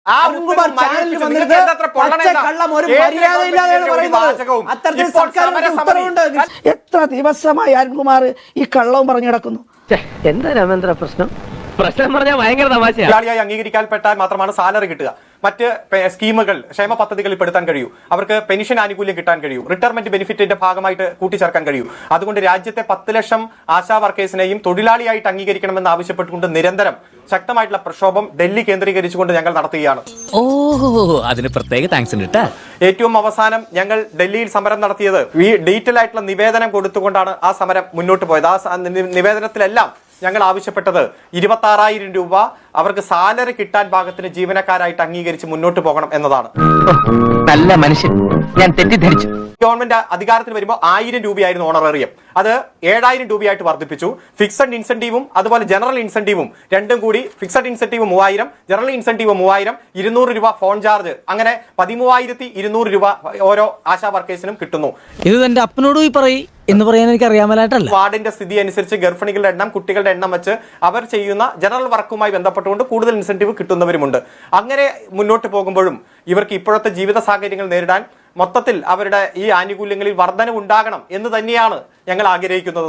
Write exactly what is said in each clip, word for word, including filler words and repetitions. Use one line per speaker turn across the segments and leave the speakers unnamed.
എത്ര ദിവസമായി അരുൺകുമാർ ഈ കള്ളവും പറഞ്ഞു കിടക്കുന്നു?
എന്താ രാമേന്ദ്ര പ്രശ്നം? പ്രശ്നം പറഞ്ഞാൽ ഭയങ്കര തമാശയായി
അംഗീകരിക്കപ്പെട്ടാൽ മാത്രമാണ് സാലറി കിട്ടുക. മറ്റ് സ്കീമുകൾ, ക്ഷേമ പദ്ധതികളിൽ പെടുത്താൻ കഴിയൂ, അവർക്ക് പെൻഷൻ ആനുകൂല്യം കിട്ടാൻ കഴിയൂ, റിട്ടയർമെന്റ് ബെനിഫിറ്റിന്റെ ഭാഗമായിട്ട് കൂട്ടിച്ചേർക്കാൻ കഴിയൂ. അതുകൊണ്ട് രാജ്യത്തെ പത്ത് ലക്ഷം ആശാ വർക്കേഴ്സിനെയും തൊഴിലാളിയായിട്ട് അംഗീകരിക്കണമെന്ന് ആവശ്യപ്പെട്ടുകൊണ്ട് നിരന്തരം ശക്തമായിട്ടുള്ള പ്രക്ഷോഭം ഡൽഹി കേന്ദ്രീകരിച്ചുകൊണ്ട് ഞങ്ങൾ നടത്തുകയാണ്.
ഓഹോ, അതിന് പ്രത്യേക താങ്ക്സ് ഉണ്ട്.
ഏറ്റവും അവസാനം ഞങ്ങൾ ഡൽഹിയിൽ സമരം നടത്തിയത് ഈ ഡീറ്റെയിൽ ആയിട്ടുള്ള നിവേദനം കൊടുത്തുകൊണ്ടാണ് ആ സമരം മുന്നോട്ട് പോയത്. ആ നിവേദനത്തിലെല്ലാം ഞങ്ങൾ ആവശ്യപ്പെട്ടത് ഇരുപത്തി ആറായിരം രൂപ അവർക്ക് സാലറി കിട്ടാൻ ഭാഗത്തിന് ജീവനക്കാരായിട്ട് അംഗീകരിച്ച് മുന്നോട്ട് പോകണം എന്നതാണ്.
നല്ല മനുഷ്യൻ, ഞാൻ തെറ്റിദ്ധരിച്ചു.
ഗവൺമെന്റ് അധികാരത്തിൽ വരുമ്പോൾ ആയിരം രൂപയായിരുന്നു ഓണറേറിയം, അത് ഏഴായിരം രൂപയായിട്ട് വർദ്ധിപ്പിച്ചു. ഫിക്സഡ് ഇൻസെന്റീവും അതുപോലെ ജനറൽ ഇൻസെന്റീവും രണ്ടും കൂടി, ഫിക്സഡ് ഇൻസെന്റീവ് മൂവായിരം, ജനറൽ ഇൻസെന്റീവ് മൂവായിരം, ഇരുന്നൂറ് രൂപ ഫോൺ ചാർജ്, അങ്ങനെ പതിമൂവായിരത്തി ഇരുന്നൂറ് രൂപ ഓരോ ആശാ വർക്കേഴ്സിനും കിട്ടുന്നു.
ഇത് എന്റെ അപ്പനോട് പോയി പറയും എന്ന് പറയാൻ എനിക്ക് അറിയാമലായിട്ടല്ല.
വാർഡിന്റെ സ്ഥിതി അനുസരിച്ച് ഗർഭിണികളുടെ എണ്ണം, കുട്ടികളുടെ എണ്ണം വെച്ച് അവർ ചെയ്യുന്ന ജനറൽ വർക്കുമായി ബന്ധപ്പെട്ടുകൊണ്ട് കൂടുതൽ ഇൻസെന്റീവ് കിട്ടുന്നവരുമുണ്ട്. അങ്ങനെ മുന്നോട്ട് പോകുമ്പോഴും ഇവർക്ക് ഇപ്പോഴത്തെ ജീവിത സാഹചര്യങ്ങൾ നേരിടാൻ മൊത്തത്തിൽ അവരുടെ ഈ ആനുകൂല്യങ്ങളിൽ വർധനവ് ഉണ്ടാകണം എന്ന് തന്നെയാണ് ഞങ്ങൾ ആഗ്രഹിക്കുന്നത്.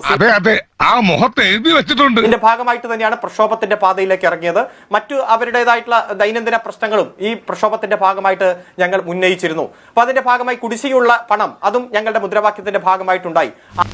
ഇതിന്റെ ഭാഗമായിട്ട് തന്നെയാണ് പ്രക്ഷോഭത്തിന്റെ പാതയിലേക്ക് ഇറങ്ങിയത്. മറ്റു അവരുടേതായിട്ടുള്ള ദൈനംദിന പ്രശ്നങ്ങളും ഈ പ്രക്ഷോഭത്തിന്റെ ഭാഗമായിട്ട് ഞങ്ങൾ ഉന്നയിച്ചിരുന്നു. അപ്പൊ അതിന്റെ ഭാഗമായി കുടിശ്ശികയുള്ള പണം, അതും ഞങ്ങളുടെ മുദ്രാവാക്യത്തിന്റെ ഭാഗമായിട്ടുണ്ടായി.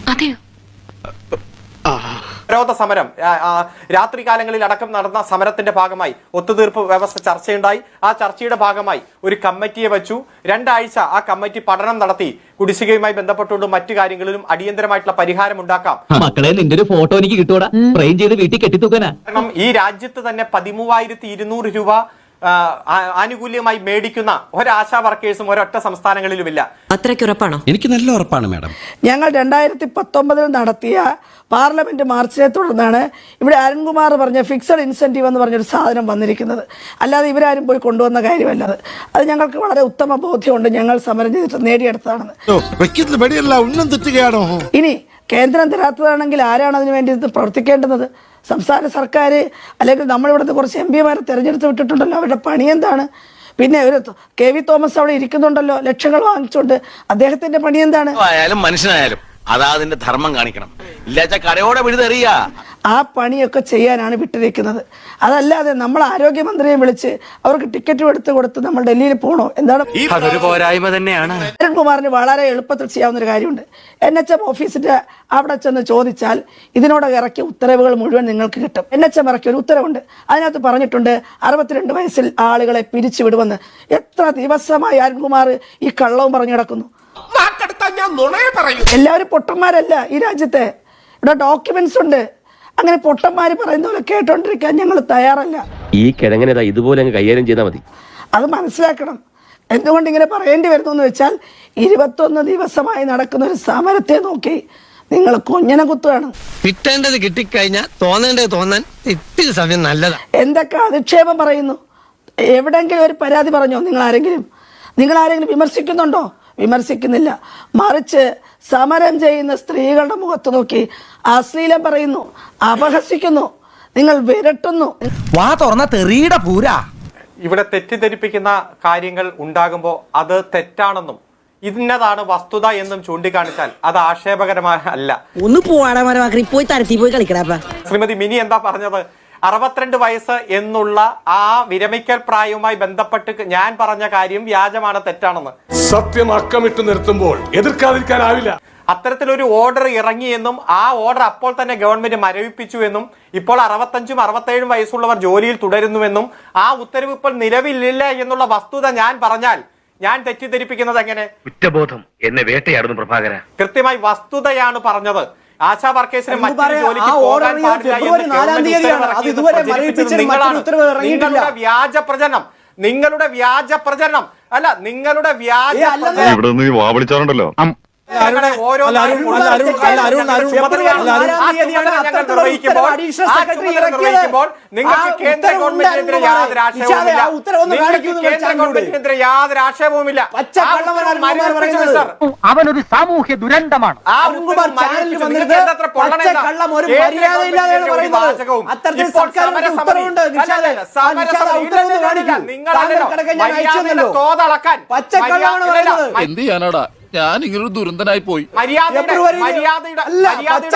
വിരോധ സമരം രാത്രി കാലങ്ങളിൽ അടക്കം നടന്ന സമരത്തിന്റെ ഭാഗമായി ഒത്തുതീർപ്പ് വ്യവസ്ഥ ചർച്ചയുണ്ടായി. ആ ചർച്ചയുടെ ഭാഗമായി ഒരു കമ്മിറ്റിയെ വെച്ചു. രണ്ടാഴ്ച ആ കമ്മിറ്റി പഠനം നടത്തി കുടിശ്ശികയുമായി ബന്ധപ്പെട്ടുകൊണ്ട് മറ്റു കാര്യങ്ങളിലും അടിയന്തരമായിട്ടുള്ള പരിഹാരം ഉണ്ടാക്കാം.
മക്കളെ, നിന്റെ ഒരു ഫോട്ടോ എനിക്ക് കിട്ടൂടാ, ഫ്രെയിം ചെയ്ത് വീട്ടിൽ കെട്ടിത്തൂക്കാനാ.
കാരണം ഈ രാജ്യത്ത് തന്നെ പതിമൂവായിരത്തി ഇരുന്നൂറ് രൂപ ആനുകൂല്യമായി മേടിക്കുന്ന ഒരാശാ വർക്കേഴ്സും ഒരൊറ്റ സംസ്ഥാനങ്ങളിലുമില്ല.
അത്രയ്ക്ക് ഉറപ്പാണോ?
എനിക്ക് നല്ല ഉറപ്പാണ് മാഡം.
ഞങ്ങൾ രണ്ടായിരത്തി പത്തൊമ്പതിൽ നടത്തിയ പാർലമെന്റ് മാർച്ചിനെ തുടർന്നാണ് ഇവിടെ അരുൺകുമാർ പറഞ്ഞ ഫിക്സഡ് ഇൻസെന്റീവ് എന്ന് പറഞ്ഞൊരു സാധനം വന്നിരിക്കുന്നത്. അല്ലാതെ ഇവരാരും പോയി കൊണ്ടുവന്ന കാര്യമല്ല. അത് ഞങ്ങൾക്ക് വളരെ ഉത്തമ ബോധ്യമുണ്ട്, ഞങ്ങൾ സമരം ചെയ്തിട്ട് നേടിയെടുത്തതാണെന്ന്. ഇനി കേന്ദ്രം തരാത്തതാണെങ്കിൽ ആരാണ് അതിനു വേണ്ടി പ്രവർത്തിക്കേണ്ടത്? സംസ്ഥാന സർക്കാർ, അല്ലെങ്കിൽ നമ്മളിവിടുത്തെ കുറച്ച് എം പിമാരെ തെരഞ്ഞെടുത്ത് വിട്ടിട്ടുണ്ടല്ലോ, അവരുടെ പണി എന്താണ്? പിന്നെ ഒരു കെ വി തോമസ് അവിടെ ഇരിക്കുന്നുണ്ടല്ലോ, ലക്ഷങ്ങൾ വാങ്ങിച്ചുകൊണ്ട്, അദ്ദേഹത്തിന്റെ പണി എന്താണ്?
മനുഷ്യനായാലും അതാ അതിന്റെ ധർമ്മം കാണിക്കണം, ഇല്ലാച്ച കരയോടെ വിഴുതെറിയ.
ആ പണിയൊക്കെ ചെയ്യാനാണ് വിട്ടിരിക്കുന്നത്. അതല്ലാതെ നമ്മൾ ആരോഗ്യമന്ത്രിയെ വിളിച്ച് അവർക്ക് ടിക്കറ്റ് എടുത്ത് കൊടുത്ത് നമ്മൾ ഡൽഹിയിൽ പോകണോ? എന്താണ്?
അതൊരു പോരായ്മ തന്നെയാണ്.
അരുൺകുമാറിന് വളരെ എളുപ്പത്തിൽ ചെയ്യാവുന്ന ഒരു കാര്യമുണ്ട്. എൻ എച്ച് എം ഓഫീസിന്റെ അവിടെ ചെന്ന് ചോദിച്ചാൽ ഇതിനോട് ഇറക്കിയ ഉത്തരവുകൾ മുഴുവൻ നിങ്ങൾക്ക് കിട്ടും. എൻ എച്ച് എം ഇറക്കിയ ഒരു ഉത്തരവുണ്ട്, അതിനകത്ത് പറഞ്ഞിട്ടുണ്ട് അറുപത്തിരണ്ട് വയസ്സിൽ ആളുകളെ പിരിച്ചു വിടുമെന്ന്. എത്ര ദിവസമായി അരുൺകുമാർ ഈ കള്ളവും പറഞ്ഞു കിടക്കുന്നു? എല്ലാവരും പൊട്ടന്മാരല്ല ഈ രാജ്യത്തെ. ഇവിടെ ഡോക്യുമെന്റ്സ് ഉണ്ട്. അങ്ങനെ പൊട്ടന്മാര് പറയുന്ന പോലെ കേട്ടോണ്ടിരിക്കാൻ ഞങ്ങൾ തയ്യാറല്ല.
ഈ കിഴങ്ങനെ ഇതുപോലെ കൈകാര്യം ചെയ്താൽ മതി.
അത് മനസ്സിലാക്കണം. എന്തുകൊണ്ട് ഇങ്ങനെ പറയേണ്ടി വരുന്നു എന്ന് വെച്ചാൽ ഇരുപത്തൊന്ന് ദിവസമായി നടക്കുന്ന ഒരു സമരത്തെ നോക്കി നിങ്ങൾ കൊഞ്ഞനെ കുത്തുകയാണ്.
കിട്ടേണ്ടത് കിട്ടിക്കഴിഞ്ഞാൽ തോന്നേണ്ടത് തോന്നാൻ ഇത്തിരി സമയം നല്ലതാ.
എന്തൊക്കെ അധിക്ഷേപം പറയുന്നു? എവിടെങ്കിലും ഒരു പരാതി പറഞ്ഞോ? നിങ്ങൾ ആരെങ്കിലും നിങ്ങൾ ആരെങ്കിലും വിമർശിക്കുന്നുണ്ടോ? വിമർശിക്കുന്നില്ല. മറിച്ച് സമരം ചെയ്യുന്ന സ്ത്രീകളുടെ മുഖത്ത് നോക്കി അശ്ലീലം പറയുന്നു, അപഹസിക്കുന്നു, നിങ്ങൾ വിരട്ടുന്നു.
വാ തുറന്ന തെറിയുടെ പൂരാ.
ഇവിടെ തെറ്റിദ്ധരിപ്പിക്കുന്ന കാര്യങ്ങൾ ഉണ്ടാകുമ്പോൾ അത് തെറ്റാണെന്നും ഇന്നതാണ് വസ്തുത എന്നും ചൂണ്ടിക്കാണിച്ചാൽ അത് ആക്ഷേപകരമായ അല്ല.
ഒന്ന് പോവാടാ, പോയി തരത്തി പോയി കളിക്കടാ.
ശ്രീമതി മിനി എന്താ പറഞ്ഞത്? അറുപത്തിരണ്ട് വയസ്സ് എന്നുള്ള ആ വിരമിക്കൽ പ്രായവുമായി ബന്ധപ്പെട്ട് ഞാൻ പറഞ്ഞ കാര്യം വ്യാജമാണ്, തെറ്റാണെന്ന്.
സത്യം അക്കമിട്ട് നിർത്തുമ്പോൾ എതിർക്കാതിരിക്കാനാവില്ല.
അത്തരത്തിലൊരു ഓർഡർ ഇറങ്ങിയെന്നും ആ ഓർഡർ അപ്പോൾ തന്നെ ഗവൺമെന്റ് മരവിപ്പിച്ചു എന്നും ഇപ്പോൾ അറുപത്തഞ്ചും അറുപത്തേഴും വയസ്സുള്ളവർ ജോലിയിൽ തുടരുന്നുവെന്നും ആ ഉത്തരവ് ഇപ്പോൾ നിലവിലില്ല എന്നുള്ള വസ്തുത ഞാൻ പറഞ്ഞാൽ ഞാൻ തെറ്റിദ്ധരിപ്പിക്കുന്നത് എങ്ങനെ?
കുറ്റബോധം എന്നെ വേട്ടയാടുന്നു പ്രഭാകര.
കൃത്യമായി വസ്തുതയാണ് പറഞ്ഞത്. ആശാ വർക്കേഴ്സിന് മറ്റൊരു ജോലിക്ക് പോകാൻ പാടില്ല നിങ്ങളുടെ വ്യാജ പ്രചരണം, നിങ്ങളുടെ വ്യാജ പ്രചരണം അല്ല നിങ്ങളുടെ വ്യാജ ഞങ്ങളുടെ ഓരോ നാട്ടിലും
അല്ല, അരുൺ, അല്ല, അരുൺ, അരുൺ,
ചുമതലയാണ്.
അല്ല, അരുൺ,
ആ ചുമതല ഞങ്ങൾ നിർവഹിക്കുമ്പോൾ ആ ചുമതല നിർവഹിക്കുമ്പോൾ നിങ്ങൾക്ക് കേന്ദ്ര ഗവൺമെന്റിനെതിരെ യാതൊരു ആക്ഷേപവുമില്ല. നിങ്ങൾക്ക് കേന്ദ്ര ഗവൺമെന്റിനെതിരെ യാതൊരു ആക്ഷേപവുമില്ല.
അവനൊരു സാമൂഹ്യ ദുരന്തമാണ്.
ആ ഉത്തരവ് മരവിപ്പിച്ചു. നിങ്ങൾക്ക് എന്തത്ര പൊള്ളണേതാ? കേന്ദ്ര ഗവൺമെന്റിനെതിരെ ഒരു വാചകവും. ഇപ്പോൾ സമരസമിതി അല്ലല്ല, സമരസമിതി ഇല്ലല്ല, നിങ്ങളല്ലല്ലോ മര്യാദയുടെ തോതളക്കാൻ
എന്ത് ചെയ്യാനാടാ ഞാൻ ഇങ്ങനൊരു ദുരന്തനായി പോയി.
മര്യാദയുടെ മര്യാദയുടെ മര്യാദയുടെ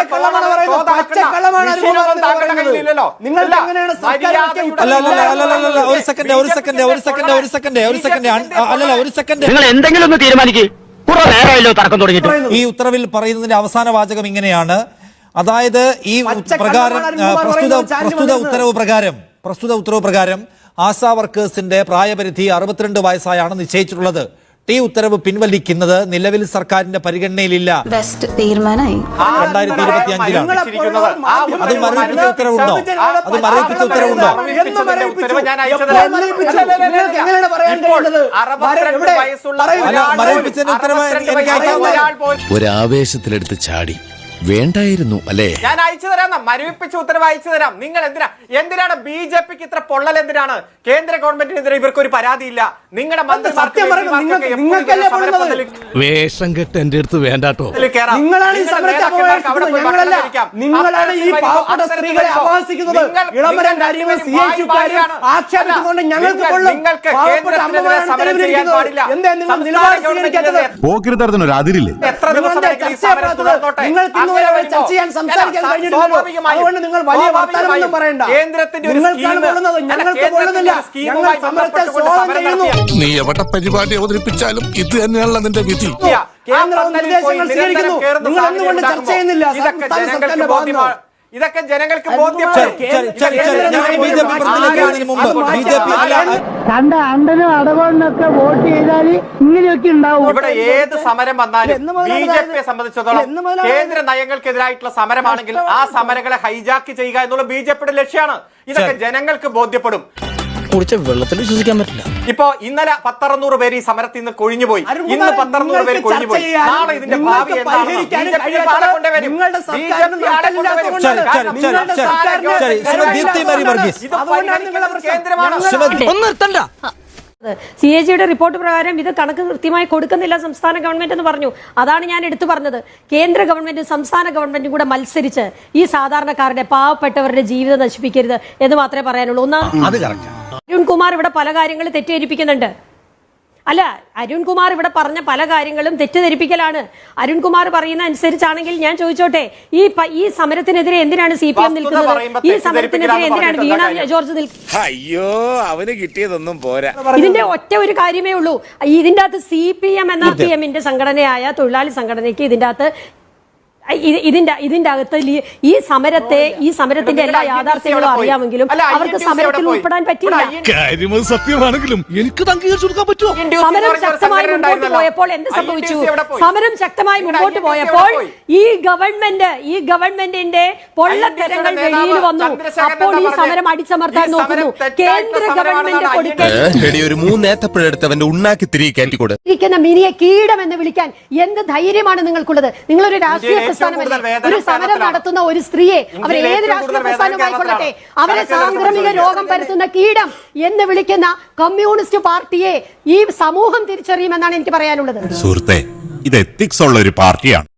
ഒരു സെക്കൻഡ് ഒരു സെക്കൻഡ് ഒരു സെക്കൻഡ് ഒരു സെക്കൻഡ് ഒരു സെക്കൻഡ് അല്ലല്ല ഒരു സെക്കൻഡ്
നിങ്ങൾ എന്തെങ്കിലും ഒന്ന് തീരുമാനിക്കേ. കുറെ നേരമല്ലോ തർക്കം തുടങ്ങിയിട്ട്.
ഈ ഉത്തരവിൽ പറയുന്നതിന്റെ അവസാന വാചകം ഇങ്ങനെയാണ്. അതായത് ഈ പ്രകാരം പ്രസ്തുത പ്രസ്തുത ഉത്തരവ് പ്രകാരം പ്രസ്തുത ഉത്തരവ് പ്രകാരം ആശാ വർക്കേഴ്സിന്റെ പ്രായപരിധി അറുപത്തിരണ്ട് വയസ്സായാണ് നിശ്ചയിച്ചിട്ടുള്ളത്. ഈ ഉത്തരവ് പിൻവലിക്കുന്നത് നിലവിൽ സർക്കാരിന്റെ പരിഗണനയിലില്ല.
തീരുമാനമായി
രണ്ടായിരത്തി ഇരുപത്തി അഞ്ചിലാണ്. അത് മരവിപ്പിച്ച ഉത്തരവുണ്ടോ? അത് മരവിപ്പിച്ച ഉത്തരവുണ്ടോ? മരവിപ്പിച്ചതിന്റെ ഉത്തരവ് എനിക്ക് അയക്കാവുന്ന
ഒരാവേശത്തിലെടുത്ത് ചാടി വേണ്ടായിരുന്നു അല്ലേ?
ഞാൻ അയച്ചു തരാം. മരവിപ്പിച്ച ഉത്തരവ് അയച്ചു തരാം. നിങ്ങൾ എന്തിനാ എന്തിനാണ് ബി ജെ പിക്ക് ഇത്ര പൊള്ളൽ? എന്തിനാണ് കേന്ദ്ര ഗവൺമെന്റിനെതിരെ ഇവർക്ക് ഒരു പരാതിയില്ല? നിങ്ങളുടെ
വേഷം കെട്ട് എന്റെ അടുത്ത് വേണ്ടാട്ടോ.
നിങ്ങളാണ് ഈ സമരത്തെ അപമാനിക്കുന്നത്, ഞങ്ങളല്ല. നിങ്ങളാണ് ഈ പാവപ്പെട്ട സ്ത്രീകളെ അപഹാസിക്കുന്നത്. ഇളമരം കാര്യങ്ങൾ സി എച്ച് കാര്യം ആക്ഷേപിച്ചുകൊണ്ട് ഞങ്ങൾക്ക് കൊള്ളും. പാവപ്പെട്ട അമ്മമാരാണ് തെരുവിലിരിക്കുന്നത്. എന്താ നിങ്ങൾ നിലപാട് സ്വീകരിക്കാത്തത്?
പോക്കിരിത്തരത്തിനൊരു അതിരില്ലേ?
എത്ര ദിവസം
നിങ്ങൾക്ക് ഇന്നുവരെ ചർച്ച ചെയ്യാൻ സംസാരിക്കാൻ കഴിഞ്ഞിട്ടില്ലല്ലോ. അതുകൊണ്ട് നിങ്ങൾ വലിയ വർത്തമാനമൊന്നും പറയണ്ട. നിങ്ങൾക്കാണ് കൊള്ളുന്നത്, ഞങ്ങൾക്ക് കൊള്ളുന്നില്ല. ഞങ്ങൾ സമരത്തെ സ്വാഗതം ചെയ്യുന്നു.
നീ എവിടെ പരിപാടി അവതരിപ്പിച്ചാലും ഇത് തന്നെയാണല്ലോ നിന്റെ വിധി.
കേന്ദ്രവും നിർദ്ദേശങ്ങൾ സ്വീകരിക്കുന്നു. നിങ്ങൾ എന്തുകൊണ്ട് ചർച്ച ചെയ്യുന്നില്ല? സംസ്ഥാന സർക്കാരിന്റെ ഭാഗമാണ്.
ഇതൊക്കെ ജനങ്ങൾക്ക് ബോധ്യപ്പെടും.
കണ്ട അണ്ടനും അടവണ്ണൊക്കെ വോട്ട് ചെയ്താൽ ഇങ്ങനെയൊക്കെ ഉണ്ടാവും.
ഇവിടെ ഏത് സമരം വന്നാലും ബി ജെ പിയെ സംബന്ധിച്ചിടത്തോളം കേന്ദ്ര നയങ്ങൾക്കെതിരായിട്ടുള്ള സമരമാണെങ്കിൽ ആ സമരങ്ങളെ ഹൈജാക്ക് ചെയ്യുക എന്നുള്ള ബി ജെ പിയുടെ ലക്ഷ്യമാണ്. ഇതൊക്കെ ജനങ്ങൾക്ക് ബോധ്യപ്പെടും.
കുടിച്ച വെള്ളത്തിൽ വിശ്വസിക്കാൻ പറ്റില്ല.
ഇപ്പൊ ഇന്നലെ പത്തറുന്നൂറ് പേര് ഈ സമരത്തിൽ നിന്ന് കൊഴിഞ്ഞുപോയി. ഇന്ന് പത്തറുന്നൂറ് പേര് കൊഴിഞ്ഞുപോയി. നാളെ ഇതിന്റെ ഭാവി എന്താണ്?
സി എ ജിയുടെ റിപ്പോർട്ട് പ്രകാരം ഇത് കണക്ക് കൃത്യമായി കൊടുക്കുന്നില്ല സംസ്ഥാന ഗവൺമെന്റ് എന്ന് പറഞ്ഞു. അതാണ് ഞാൻ എടുത്തു പറഞ്ഞത്. കേന്ദ്ര ഗവൺമെന്റും സംസ്ഥാന ഗവൺമെന്റും കൂടെ മത്സരിച്ച് ഈ സാധാരണക്കാരുടെ പാവപ്പെട്ടവരുടെ ജീവിതം നശിപ്പിക്കരുത് എന്ന് മാത്രമേ പറയാനുള്ളൂ. ഒന്ന്, അരുൺകുമാർ ഇവിടെ പല കാര്യങ്ങളും തെറ്റിദ്ധരിപ്പിക്കുന്നുണ്ട്. അല്ല, അരുൺകുമാർ ഇവിടെ പറഞ്ഞ പല കാര്യങ്ങളും തെറ്റിദ്ധരിപ്പിക്കലാണ്. അരുൺകുമാർ പറയുന്ന അനുസരിച്ചാണെങ്കിൽ ഞാൻ ചോദിച്ചോട്ടെ, ഈ ഈ സമരത്തിനെതിരെ എന്തിനാണ് സി പി എം നിൽക്കുന്നത്? ഈ സമരത്തിനെതിരെ എന്തിനാണ് വീണ ജോർജ് നിൽക്കുന്നത്?
അയ്യോ അവന് കിട്ടിയതൊന്നും പോരാ.
ഇതിന്റെ ഒറ്റ ഒരു കാര്യമേ ഉള്ളൂ. ഇതിന്റെ അകത്ത് സി പി എം എന്ന പി എമ്മിന്റെ സംഘടനയായ തൊഴിലാളി സംഘടനയ്ക്ക് ഇതിന്റെ അകത്ത് ഇതിന്റെ ഇതിന്റെ അകത്ത് ഈ സമരത്തെ ഈ സമരത്തിന്റെ എല്ലാ യാഥാർത്ഥ്യങ്ങളും അറിയാമെങ്കിലും അവർക്ക് സമരത്തിൽ ഉൾപ്പെടാൻ പറ്റില്ല.
സത്യമാണെങ്കിലും എനിക്ക് അംഗീകരിച്ചു കൊടുക്കാൻ പറ്റുമോ?
സമരം ശക്തമായി മുമ്പോട്ട് പോയപ്പോൾ എന്ത് സംഭവിച്ചു? സമരം ശക്തമായി മുമ്പോട്ട് പോയപ്പോൾ ഈ ഗവൺമെന്റ് ഈ ഗവൺമെന്റിന്റെ പൊള്ളത്തരങ്ങൾ വെളിയിൽ വന്നു. അപ്പോൾ ഈ സമരം അടിച്ചമർത്താൻ നോക്കുന്നു. കേന്ദ്ര ഗവൺമെന്റ് കൊടുക്കുന്ന
മൂന്നേത്തപ്പഴെടുത്തവന്റെ ഉണ്ണാക്കി തിരികെ കയറ്റിക്കൂടെ
ഇരിക്കുന്ന മിനിയെ കീടം എന്ന് വിളിക്കാൻ എന്ത് ധൈര്യമാണ് നിങ്ങൾക്കുള്ളത്? നിങ്ങളൊരു രാഷ്ട്രീയ ഒരു സമരം നടത്തുന്ന ഒരു സ്ത്രീയെ അവർ ഏത് രാഷ്ട്രീയ പ്രസ്ഥാനമായിക്കൊള്ളട്ടെ അവരെ സാംക്രമിക രോഗം പരത്തുന്ന കീടം എന്ന് വിളിക്കുന്ന കമ്മ്യൂണിസ്റ്റ് പാർട്ടിയെ ഈ സമൂഹം തിരിച്ചറിയുമെന്നാണ് എനിക്ക് പറയാനുള്ളത്.
സുഹൃത്തെ, ഇത് എത്തിക്സ് ഉള്ള ഒരു പാർട്ടിയാണ്.